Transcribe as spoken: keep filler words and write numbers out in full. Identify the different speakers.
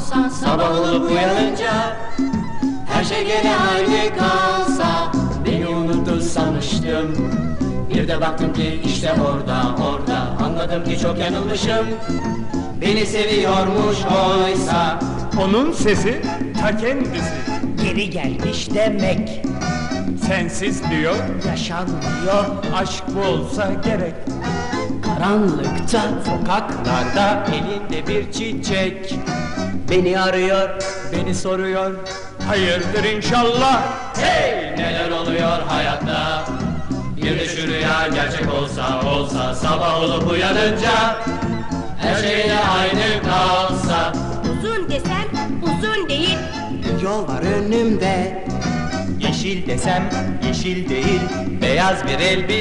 Speaker 1: olsa, sabah olup uyanınca her şey gene aynı kalsa, beni unuttu sanmıştım. Bir de baktım ki işte orada, orada, anladım ki çok yanılmışım. Beni seviyormuş oysa.
Speaker 2: Onun sesi ta kendisi.
Speaker 3: Geri gelmiş demek.
Speaker 2: Sensiz diyor,
Speaker 3: Yaşanmıyor.
Speaker 2: aşk bu olsa gerek.
Speaker 1: Karanlıkta, sokaklarda, elinde bir çiçek beni arıyor, beni soruyor.
Speaker 2: Hayırdır inşallah.
Speaker 1: Hey, neler oluyor hayatta? Bir de şu rüya gerçek olsa, olsa, sabah olup uyanınca her şey de aynı kalsa.
Speaker 4: Uzun desem uzun değil.
Speaker 1: Yol var önümde, yeşil desem yeşil değil, beyaz bir elbise.